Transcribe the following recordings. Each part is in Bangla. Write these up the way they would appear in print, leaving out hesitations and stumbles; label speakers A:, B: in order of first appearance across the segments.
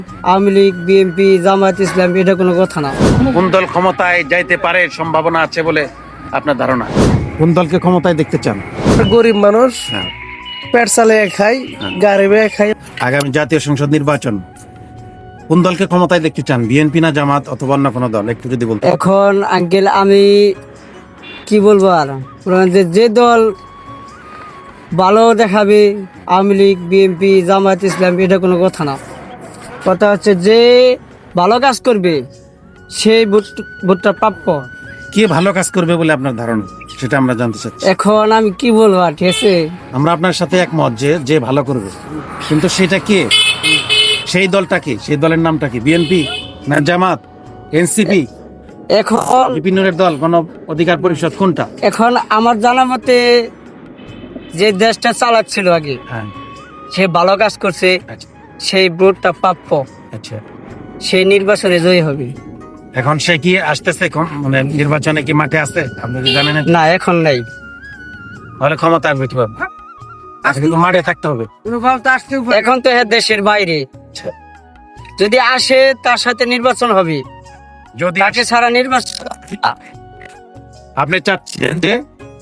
A: আওয়ামী লীগ, বিএনপি, জামায়াত ইসলাম, এটা কোনো কথা না।
B: কোন দল ক্ষমতায় যাইতে পারে সম্ভাবনা আছে বলে আপনার ধারণা? কোন দলকে ক্ষমতায় দেখতে চান?
C: গরিব মানুষ
B: হ্যাঁ।
C: পেট চালিয়ে খাই, গাড়ি বেয়ে খাই।
B: আগামী জাতীয় সংসদ নির্বাচন কোন দলকে ক্ষমতায় দেখতে চান? বিএনপি না জামাত অথবা অন্য কোনো দল? একটু যদি বলতে।
A: এখন আঙ্কেল আমি কি বলবো আর, যে দল ভালো দেখাবে, আওয়ামী লীগ, বিএনপি, জামায়াত ইসলাম, এটা কোনো কথা না। কথা হচ্ছে যে ভালো কাজ করবে সেই ভোটটা প্রাপ্য।
B: কে ভালো কাজ করবে বলে আপনার ধারণা, সেটা আমরা জানতে চাচ্ছি।
A: এখন আমি কি বলবো আর, ঠিক আছে?
B: আমরা আপনার সাথে একমত যে যে ভালো করবে, কিন্তু সেটা কে, সেই দলটা কি, সেই দলের নামটা কি? বিএনপি না জামাত, এনসিপি,
A: এখন
B: বিভিন্ন দল, গণ অধিকার পরিষদ, কোনটা?
A: এখন আমার জানা মতে যে দেশটা চালাচ্ছিল আগে,
B: হ্যাঁ,
A: সে ভালো কাজ করছে,
B: আচ্ছা
A: সেই ভোটটা প্রাপ্য,
B: আচ্ছা।
A: সেই নির্বাচনে জয়ী হবে।
B: এখন সে কি আসতেছে, মানে নির্বাচনে কি মাঠে আছে? আপনি কি জানেন?
A: না, এখন নাই।
B: তাহলে ক্ষমতা আসবে কিভাবে? কিন্তু মাঠে থাকতে হবে।
A: এখন তো হ্যাঁ দেশের বাইরে, যদি আসে তার সাথে নির্বাচন হবে,
B: যদি
A: তাকে ছাড়া নির্বাচন।
B: আপনি চাচ্ছেন যে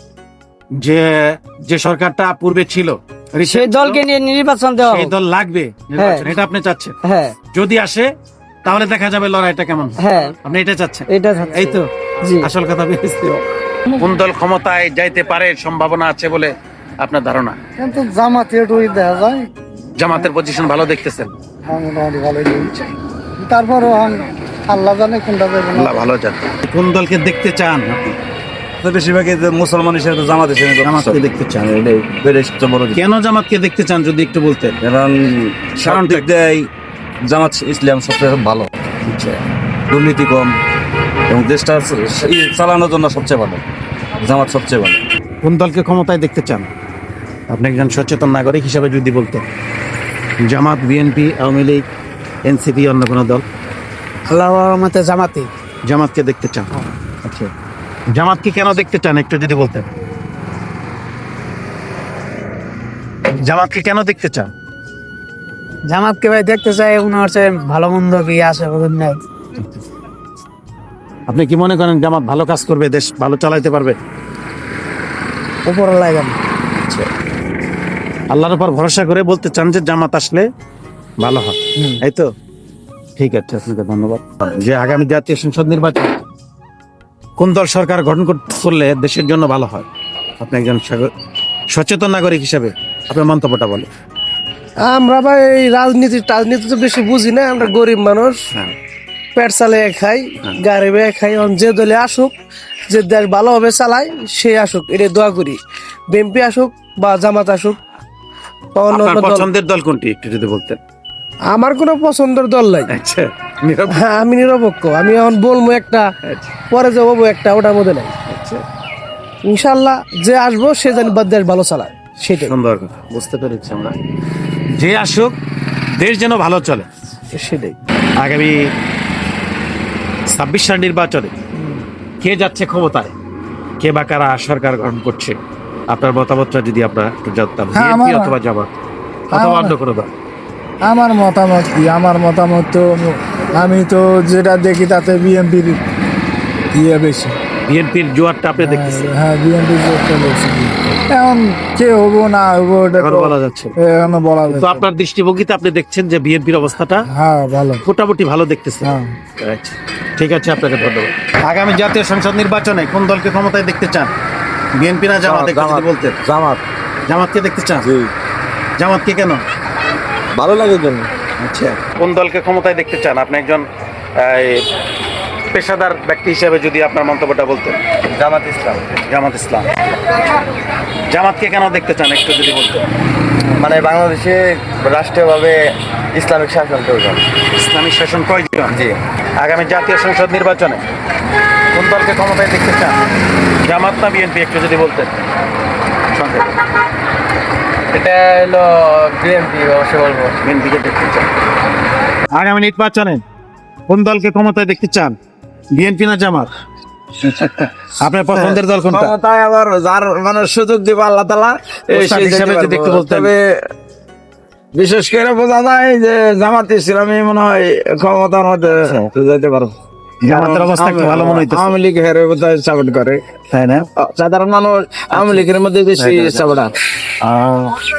B: যে যে সরকারটা পূর্বে ছিল
A: সেই দলকে নিয়ে নির্বাচন দেওয়া
B: সেই
A: হোক।
B: দল লাগবে নির্বাচন, এটা আপনি চাচ্ছেন?
A: হ্যাঁ
B: যদি আসে তাহলে দেখা যাবে লড়াইটা কেমন হয়।
A: হ্যাঁ,
B: আপনি এটা চাচ্ছেন?
A: এটা চাচ্ছি।
B: এই তো
A: জি।
B: আসল কথা বেরিয়েছে। কোন দল ক্ষমতায় যাইতে পারে সম্ভাবনা আছে বলে আপনার ধারণা?
C: কিন্তু জামাতে একটু দেখা যায়,
B: জামাতের পজিশন ভালো দেখতেছেন?
C: মোটামুটি ভালোই চলছে। তারপরও আল্লাহ জানে কোনটা যাবে না।
B: আল্লাহ ভালো জানে। কোন দলকে দেখতে চান আপনি?
D: বেশিরভাগই মুসলমান হিসেবে জামাত হিসেবে
B: জামাতকে দেখতে চান।
D: এটাই সবচেয়ে বড় দিক।
B: কেন জামাতকে দেখতে চান যদি একটু বলতেন?
D: কারণ সাধারণ দিক দিয়ে জামাত ইসলাম সবচেয়ে ভালো, দুর্নীতি কম এবং দেশটা চালানোর জন্য সবচেয়ে ভালো জামাত, সবচেয়ে ভালো।
B: কোন দলকে ক্ষমতায় দেখতে চান আপনি একজন সচেতন নাগরিক হিসাবে যদি বলতেন? জামাত, বিএনপি, আওয়ামী লীগ, এনসিপি, অন্য কোনো দল?
A: আল্লাহর মতে জামাতে।
B: জামাতকে দেখতে চান? আচ্ছা, জামাতকে কেন দেখতে চান একটু যদি বলতেন? জামাতকে কেন দেখতে চান?
A: জামাতকে ভাই দেখতে চাই, ওনার হচ্ছে ভালো মন্দ কি আছে নাই।
B: আপনি কি মনে করেন জামাত ভালো কাজ করবে, দেশ ভালো চালাইতে পারবে?
A: উপর লাগে না।
B: আল্লাহর উপর ভরসা করে বলতে চান যে জামাত আসলে ভালো হয়, এই তো? ঠিক আছে, আপনাকে ধন্যবাদ। যে আগামী জাতীয় সংসদ নির্বাচন কোন দল সরকার গঠন করলে দেশের জন্য ভালো হয়? আপনি একজন সচেতন নাগরিক হিসেবে আপনার মন্তব্যটা বলে।
C: আমরা ভাই এই রাজনীতি তো বেশি বুঝি না, আমরা গরিব মানুষ,
B: হ্যাঁ,
C: পেট চালিয়ে খাই, গাড়ি বেয়ে খাই। এখন যে দলে আসুক, যে দেশ ভালোভাবে চালায় সে আসুক, এটা দোয়া করি। বিএনপি আসুক বা জামাত আসুক বা অন্য
B: আপনার
C: অন্য দল।
B: পছন্দের দল কোনটি একটু যদি বলতেন?
C: আমার কোনো পছন্দের দল নাই।
B: আচ্ছা,
C: হ্যাঁ, আমি নিরপেক্ষ। আমি এখন বলবো একটা, পরে যে বলবো একটা, ওটার মধ্যে নাই। ইনশাল্লাহ যে আসবো সে জানি বা দেশ ভালো চালায়, সেটাই।
B: সুন্দর কথা, বুঝতে পেরেছি আমরা। যে আসুক, দেশ যেন ভালো চলে,
C: সেটাই।
B: আগামী 26 সাল নির্বাচনে কে যাচ্ছে ক্ষমতায়, কে বা কারা সরকার গঠন করছে, আপনার মতামতটা যদি আমরা একটু জানতাম।
C: হ্যাঁ,
B: বিএনপি অথবা জামাত অথবা অন্য কোনো দল?
C: আমার মতামত কি? আমার মতামত তো আমি তো যেটা দেখি তাতে বিএনপির ইয়ে বেশি।
B: বিএনপির জোয়ারটা আপনি দেখতেছেন?
C: হ্যাঁ, বিএনপির জোরটা বেশি। এখন কে হবো না হবো এটা
B: এখন
C: তো
B: বলা যাচ্ছে না।
C: এখনো বলা
B: তো
C: যাচ্ছে না।
B: আপনার দৃষ্টিভঙ্গিতে আপনি দেখছেন যে বিএনপির অবস্থাটা
C: হ্যাঁ, ভালো।
B: মোটামুটি ভালো দেখতেছেন?
C: হ্যাঁ।
B: আচ্ছা, ঠিক আছে, আপনাকে ধন্যবাদ। আগামী জাতীয় সংসদ নির্বাচনে কোন দলকে ক্ষমতায় দেখতে চান? বিএনপি না জামাত একটু যদি বলতেন?
D: জামাত।
B: জামাতকে দেখতে চান? জামাতকে কেন
D: ভালো লাগে জন্য।
B: আচ্ছা, কোন দলকে ক্ষমতায় দেখতে চান আপনি একজন পেশাদার ব্যক্তি হিসেবে যদি আপনার মন্তব্যটা বলতেন?
D: জামাত ইসলাম।
B: জামাত ইসলাম। জামাতকে কেন দেখতে চান একটু যদি বলতেন?
D: মানে বাংলাদেশে রাষ্ট্রীয়ভাবে ইসলামিক শাসন প্রয়োজন।
B: ইসলামিক শাসন প্রয়োজন।
D: জি।
B: আগামী জাতীয় সংসদ নির্বাচনে কোন দলকে ক্ষমতায় দেখতে চান? জামাত না বিএনপি একটু যদি বলতেন সংক্ষেপে?
D: এটা হলো বিএনপি, অবশ্যই বলবো।
B: বিএনপিকে দেখতে চান। আগামী নির্বাচনে কোন দলকে ক্ষমতায় দেখতে চান? বিএনপি না জামাত? আপনার পছন্দের দল কোনটা?
D: ক্ষমতায় আবার যার মানে সুযোগ দিবে আল্লাহ তাআলা,
B: ওস্তাদ হিসাবে যদি একটু বলতেন।
D: তবে
E: বিশেষ করে বোঝা যায় যে জামাত ইসলামী মনে হয় ক্ষমতার মধ্যে যাইতে পারো।
B: জামাতের অবস্থা একটু ভালো মনে হইতেছে,
E: আওয়ামী লীগ হেরে বোধহয় সাপোর্ট করে,
B: তাই না?
E: সাধারণ মানুষ আওয়ামী লীগের মধ্যে বেশি সাপোর্ট।